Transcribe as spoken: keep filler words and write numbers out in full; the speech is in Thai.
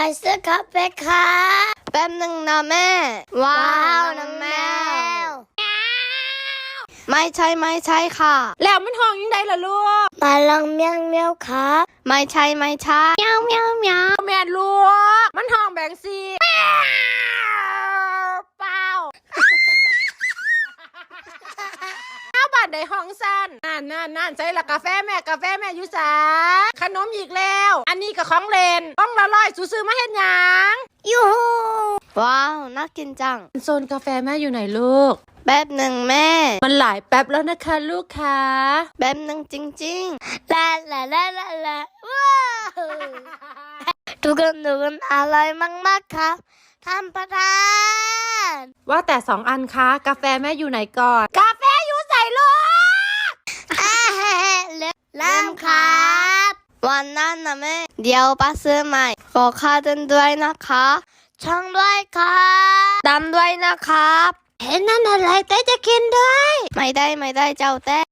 ซื้อกาแฟค่ะแป๊บหนึ่งนะแม่ว้าวน้องแมวไม่ใช่ไม่ใช่ค่ะแล้วมันห้องยังไงล่ะลูกมาลองเมียวเมียวครับไม่ใช่ไม่ใช่เมียวเมียวเมียวแม่ลูกมันห้องแบ่งซีเปล่าเอาบัตรในห้องสั้นนั่นนั่นนั่นใช่ละกาแฟแม่กาแฟแม่อยู่สาขนมอีกแล้วอันนี้กับของเล่นต้องละลอยซื้อมาเห็นยังยูฮูว้าวน่ากินจังโซนกาแฟแม่อยู่ไหนลูกแป๊บหนึ่งแม่มันหลายแป๊บแล้วนะคะลูกค้าแป๊บหนึ่งจริงๆลาลาลาลาลาว้าวทุกคนทุกคนอร่อยมากๆครับท่านประธานว่าแต่สองอันคะกาแฟแม่อยู่ไหนก่อนกาแฟอยู่ใส่ลูกเริ่มครับวันนั้นนะแม่เดี๋ยวป้าซื้อใหม่ขอค่าเดินด้วยนะคะช่องด้วยครับดำด้วยนะครับเห็นนั่นอะไรแต่จะกินด้วยไม่ได้ไม่ได้เจ้าแต่